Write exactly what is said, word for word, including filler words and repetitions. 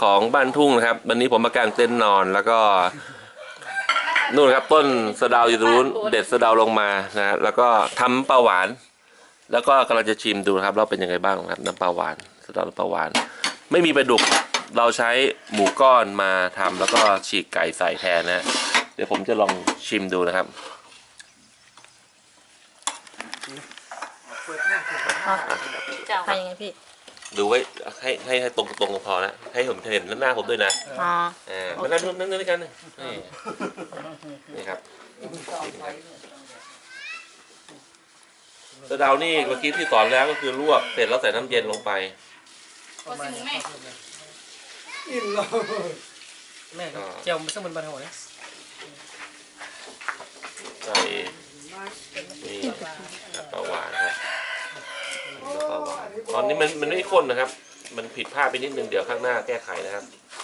ของบ้านทุ่งนะครับวันนี้ผมมากางเต็นท์นอนแล้วก็นู่นครับต้นสะเดาอยู่ตรงนู้นเด็ดสะเดาลงมานะแล้วก็ทำปลาหวานแล้วก็กำลังจะชิมดูนะครับเราเป็นยังไงบ้างครับน้ำปลาหวานสะเดาปลาหวานไม่มีปลาดุกเราใช้หมูก้อนมาทำแล้วก็ฉีกไก่ใส่แทนนะเดี๋ยวผมจะลองชิมดูนะครับจะเอาไปยังไงพี่ดูไว้ให้ให้ให้ตรงตรงพอนะให้ผมเห็นหน้าผมด้วยนะอ๋ออ่ามานั่งนั่งด้วยกันนี่นี่ครับสะเดานี่เมื่อกี้ที่สอนแล้วก็คือลวกเสร็จแล้วใส่น้ำเย็นลงไปอิ่มเลยแม่เจียวมันซึ่งมันบานหัวเนี่ยใส่นี่ปลาหวานครับปลาหวานตอนนี้มันมันไม่ข้นนะครับมันผิดพลาดไปนิดนึงเดี๋ยวข้างหน้าแก้ไขนะครับ